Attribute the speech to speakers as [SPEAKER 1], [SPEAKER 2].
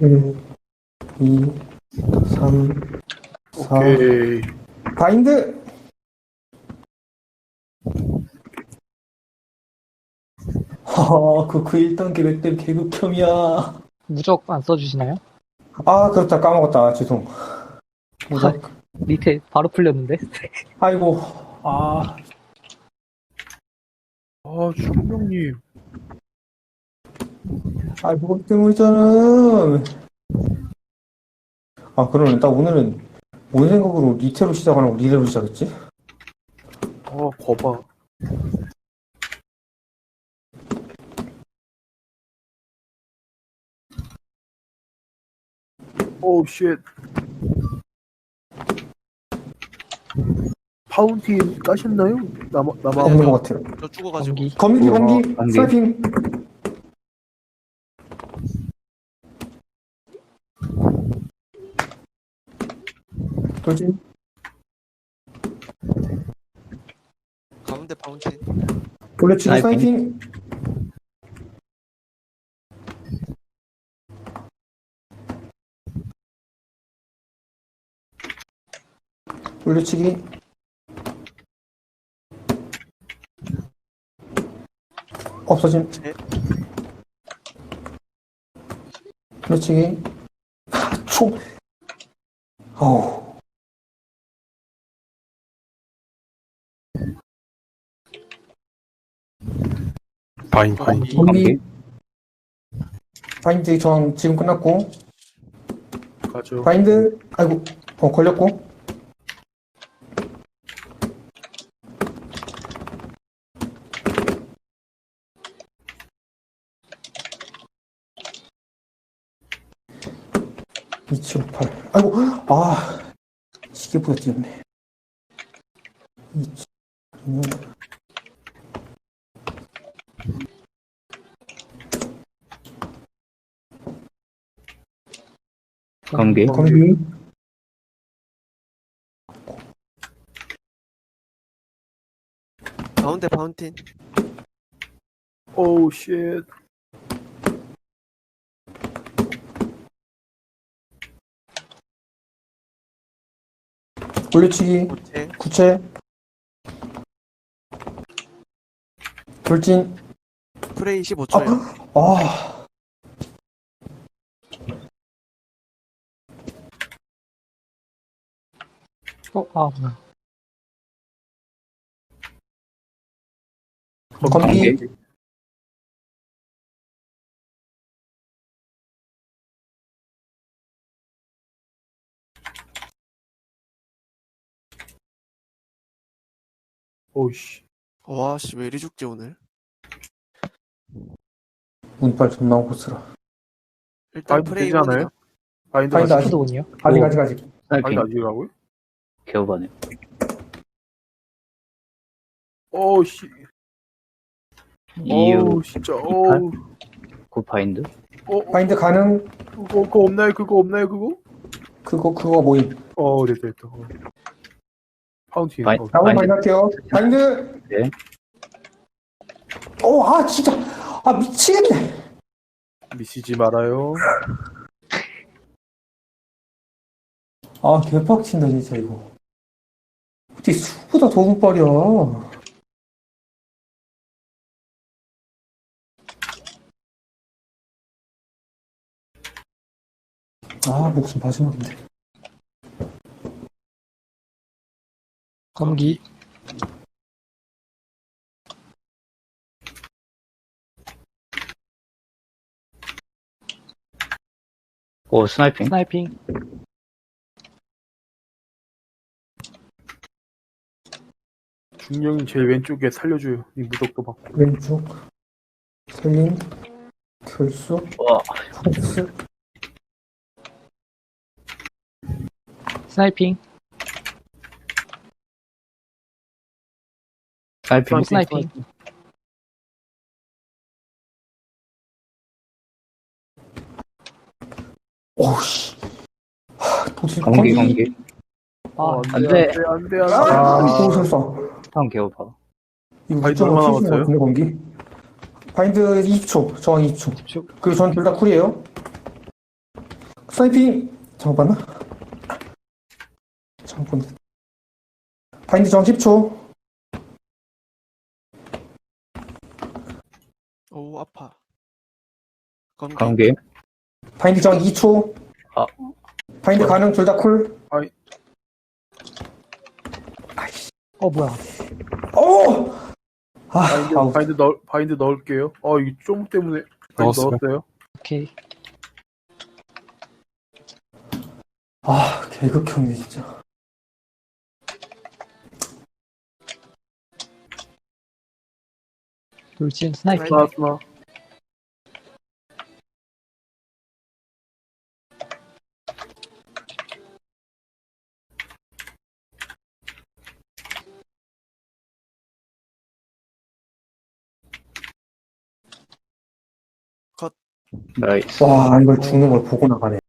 [SPEAKER 1] 1, 2, 3, 4.
[SPEAKER 2] 오케이.
[SPEAKER 1] 바인드! 그 1단계 맵댐 개극혐이야.
[SPEAKER 3] 무적 안 써주시나요?
[SPEAKER 1] 아, 그렇다. 까먹었다. 죄송. 무적.
[SPEAKER 3] 밑에 바로 풀렸는데?
[SPEAKER 1] 아이고. 아,
[SPEAKER 2] 아, 주공명님.
[SPEAKER 1] 무겁 때문이잖아. 아, 그러네. 나 오늘은 뭔 생각으로 리테로 시작하는 거 리레로 시작했지?
[SPEAKER 2] 아, 거봐. 오, 쉣. 파운틴 까셨나요? 남아.
[SPEAKER 1] 없는 것 같아요.
[SPEAKER 4] 저 죽어가지고.
[SPEAKER 3] 검기.
[SPEAKER 1] 검기.
[SPEAKER 5] 검기.
[SPEAKER 1] 스나이핑. 돌진.
[SPEAKER 4] 가운데 파운틴.
[SPEAKER 1] 돌려치기
[SPEAKER 5] 스나이핑.
[SPEAKER 1] 스나이핑. 돌려치기. 없어짐.
[SPEAKER 4] 네.
[SPEAKER 1] 돌려치기. 초. 어우.
[SPEAKER 2] 바인.
[SPEAKER 1] 검기. 바인드 저항 지금 끝났고.
[SPEAKER 2] 가죠.
[SPEAKER 1] 바인드. 아이고. 걸렸고. (278) 아이고. 아, 시계보다 뛰었네. 276.
[SPEAKER 5] 검기.
[SPEAKER 1] 검기.
[SPEAKER 4] 가운데 파운틴.
[SPEAKER 2] 오우, 쉣.
[SPEAKER 1] 올려치기.
[SPEAKER 4] 고체.
[SPEAKER 1] 구체. 돌진.
[SPEAKER 4] 프레이 15초요.
[SPEAKER 1] 아,
[SPEAKER 3] 뭐야.
[SPEAKER 1] 검기.
[SPEAKER 2] 오우씨.
[SPEAKER 4] 와씨 왜 이리 죽지 오늘.
[SPEAKER 1] 운빨 존나 오고 쓰라.
[SPEAKER 4] 일단
[SPEAKER 2] 바인드
[SPEAKER 4] 프레이
[SPEAKER 2] 되지 않아요?
[SPEAKER 4] 1이요.
[SPEAKER 2] 바인드
[SPEAKER 1] 바인드
[SPEAKER 2] 아직,
[SPEAKER 1] 아직.
[SPEAKER 3] 푸드군요.
[SPEAKER 1] 아직.
[SPEAKER 2] 바인드
[SPEAKER 5] 스나이핑.
[SPEAKER 2] 아직이라고요?
[SPEAKER 5] 개오바네.
[SPEAKER 2] 오우씨.
[SPEAKER 5] 이유
[SPEAKER 2] 오우, 진짜. 오우.
[SPEAKER 5] 굿파인드.
[SPEAKER 1] 바인드 가능.
[SPEAKER 2] 그거 없나요?
[SPEAKER 1] 그거 모임.
[SPEAKER 2] 됐다. 파운틴.
[SPEAKER 5] 바인-
[SPEAKER 1] 나무
[SPEAKER 5] 바인드.
[SPEAKER 1] 바인드 할게요. 바인드.
[SPEAKER 5] 네.
[SPEAKER 1] 진짜. 미치겠네.
[SPEAKER 2] 미치지 말아요.
[SPEAKER 1] 개빡친다, 진짜, 이거. 어떻게 수보다 더 운빨이야. 목숨 마지막인데.
[SPEAKER 3] 검기.
[SPEAKER 5] 오, 스나이핑.
[SPEAKER 3] 스나이핑.
[SPEAKER 2] 중령님 제일 왼쪽에 살려줘요. 이 무적도 받고.
[SPEAKER 1] 왼쪽. 살림. 결수.
[SPEAKER 5] 와,
[SPEAKER 1] 폭스.
[SPEAKER 3] 스나이핑.
[SPEAKER 5] 스나이핑.
[SPEAKER 3] 스나이핑.
[SPEAKER 1] 오우씨. 도실
[SPEAKER 5] 검기. 안 돼.
[SPEAKER 2] 안 돼.
[SPEAKER 1] 도실사.
[SPEAKER 5] 스타운 개오바.
[SPEAKER 1] 이거
[SPEAKER 2] 바인드
[SPEAKER 1] 무조건
[SPEAKER 2] 얼마나
[SPEAKER 1] 킬수
[SPEAKER 2] 남았어요?
[SPEAKER 1] 같은데, 검기? 바인드 20초. 저항 20초. 그리고 전 둘 다 쿨이에요. 스나이핑! 잘못 봤나? 잘못 본데. 바인드 저항 10초.
[SPEAKER 4] 오, 아파. 검기.
[SPEAKER 5] 관계.
[SPEAKER 1] 바인드 저항 2초.
[SPEAKER 5] 아.
[SPEAKER 1] 바인드 가능, 둘 다 쿨.
[SPEAKER 3] 뭐야.
[SPEAKER 1] 오! 아, 아우.
[SPEAKER 2] 바인드 넣을게요. 이게 좀 때문에 바인드
[SPEAKER 6] 넣었어요.
[SPEAKER 2] 넣었어요.
[SPEAKER 3] 오케이.
[SPEAKER 1] 아, 개극형이 진짜.
[SPEAKER 3] 돌진 스나이핑.
[SPEAKER 2] 스나.
[SPEAKER 5] 나이스.
[SPEAKER 1] 와, 이걸 죽는 걸 보고 나가네.